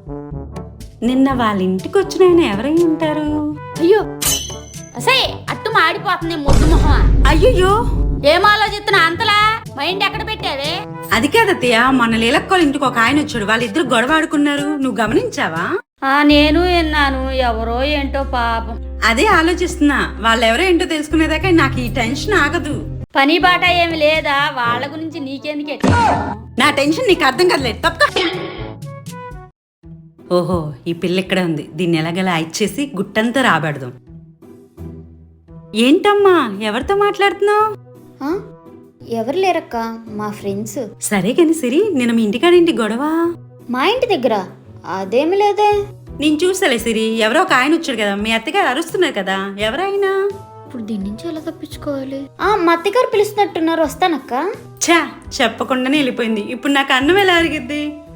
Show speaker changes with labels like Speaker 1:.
Speaker 1: నిన్న వాళ్ళ ఇంటికి వచ్చిన ఆయన ఎవరై ఉంటారు?
Speaker 2: అయ్యో అసే అట్టు మాడిపోతుంది ముద్దు మొహం.
Speaker 1: అయ్యయ్యో,
Speaker 2: ఏం ఆలోచిస్తున్నా అంతలా? మైండ్ ఎక్కడ పెట్టావే?
Speaker 1: అది కాదత్తయ్య, మన లీలక్కోళ్ళ ఇంటికి ఒక ఆయన వచ్చాడు, వాళ్ళిద్దరు గొడవ ఆడుకున్నారు. నువ్వు గమనించావా?
Speaker 2: నేను విన్నాను. ఎవరో ఏంటో పాపం.
Speaker 1: అదే ఆలోచిస్తున్నా, వాళ్ళెవరో ఏంటో తెలుసుకునేదాకా నాకు ఈ టెన్షన్ ఆగదు.
Speaker 2: పని బాట ఏమి లేదా? వాళ్ళ గురించి నీకెందుకే?
Speaker 1: నా టెన్షన్ నీకు అర్థం కదలేదు. తప్ప. ఓహో, ఈ పిల్ల ఇక్కడే ఉంది. దీన్ని ఎలాగలా ఇచ్చేసి గుట్టంతా రాబెడదాం. ఏంటమ్మా, ఎవరితో మాట్లాడుతున్నావు?
Speaker 3: ఎవరు లేరక్క, మా ఫ్రెండ్స్.
Speaker 1: సరే కాని సిరి, నేను మీ ఇంటికాడేంటి గొడవ?
Speaker 3: మా ఇంటి దగ్గర అదేమి లేదే.
Speaker 1: నేను చూసలే సిరి, ఎవరో ఒక ఆయన వచ్చాడు కదా, మీ అత్తగారు అరుస్తున్నారు కదా, ఎవరైనా?
Speaker 3: ఇప్పుడు దీని నుంచి ఎలా తప్పించుకోవాలి? మా అత్తగారు పిలుస్తున్నట్టున్నారు, వస్తానక్క.
Speaker 1: ఛా, చెప్పకుండానే వెళ్ళిపోయింది. ఇప్పుడు నాకు అన్నం ఎలా అరిగిద్ది?